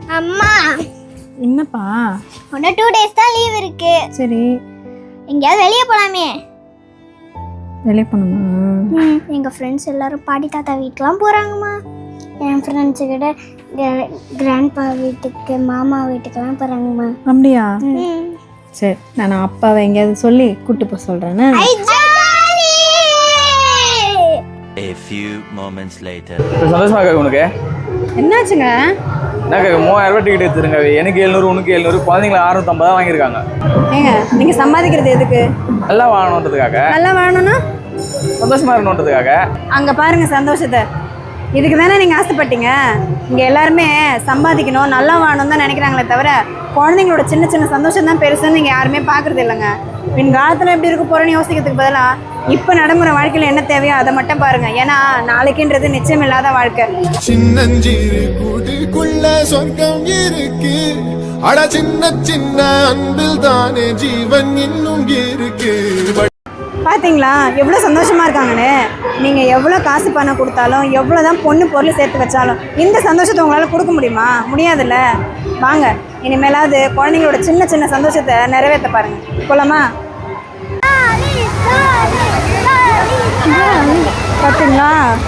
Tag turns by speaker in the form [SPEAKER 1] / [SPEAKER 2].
[SPEAKER 1] அம்மா
[SPEAKER 2] என்னப்பா?
[SPEAKER 1] இன்னும் 2 days தான் லீவ் இருக்கு.
[SPEAKER 2] சரி,
[SPEAKER 1] எங்கேயாவது வெளியே போலாமே?
[SPEAKER 2] வெளியே போகணுமா?
[SPEAKER 1] எங்க ஃப்ரெண்ட்ஸ் எல்லாரும் பாட்டி தாத்தா வீட்டுக்குலாம் போறாங்கம்மா. என் ஃப்ரெண்ட்ஸு கிட்ட கிராண்ட்பா வீட்டுக்கு மாமா வீட்டுக்கெல்லாம் போறாங்கம்மா.
[SPEAKER 2] அப்படியா? சரி, நான் அப்பாவை எங்கேயாவது சொல்லி கூட்டு போக சொல்றேன்னு.
[SPEAKER 3] A few moments later.
[SPEAKER 4] சந்தோஷமா இருக்கா உனக்கு?
[SPEAKER 2] என்னாச்சுங்க?
[SPEAKER 4] என்ன 3000 ரூபாய் டிக்கெட் எடுத்துருங்க. எனக்கு 700, உனக்கு 700, குழந்தைங்கள 650 தான் வாங்கியிருக்காங்க.
[SPEAKER 2] ஏங்க, நீங்க சம்பாதிக்கிறது எதுக்கு?
[SPEAKER 4] நல்லா வாழணுன்றதுக்காக.
[SPEAKER 2] நல்லா வாழணும்னா
[SPEAKER 4] சந்தோஷமா இருக்கணுன்றதுக்காக.
[SPEAKER 2] அங்க பாருங்க சந்தோஷத்தை. இதுக்கு தானே நீங்கள் ஆசைப்பட்டீங்க. இங்கே எல்லாருமே சம்பாதிக்கணும், நல்லா வாழணும் தான் நினைக்கிறாங்களே தவிர குழந்தைங்களோட சின்ன சின்ன சந்தோஷம் தான் பெருசுன்னு நீங்கள் யாருமே பார்க்குறது இல்லைங்க. பின் காலத்தில் எப்படி இருக்க போகிறோன்னு யோசிக்கிறதுக்கு பதிலாக இப்போ நடைமுறை வாழ்க்கையில் என்ன தேவையோ அதை மட்டும் பாருங்கள். ஏன்னா நாளைக்குன்றது நிச்சயம் இல்லாத வாழ்க்கை.
[SPEAKER 5] சின்னஞ்சிறு கூட்டுக்குள்ள சொர்க்கம் இருக்கு. அட சின்ன சின்ன அன்பில் தானே ஜீவன் இன்னும் இருக்கு.
[SPEAKER 2] பார்த்தீங்களா எவ்வளோ சந்தோஷமாக இருக்காங்கன்னு. நீங்கள் எவ்வளோ காசு பணம் கொடுத்தாலும் எவ்வளோ தான் பொண்ணு பொருள் சேர்த்து வச்சாலும் இந்த சந்தோஷத்தை உங்களால் கொடுக்க முடியுமா? முடியாதுல்ல. வாங்க, இனிமேலாவது குழந்தைங்களோட சின்ன சின்ன சந்தோஷத்தை நிறைவேற்ற பாருங்கள். போலாமா? பார்த்தீங்களா?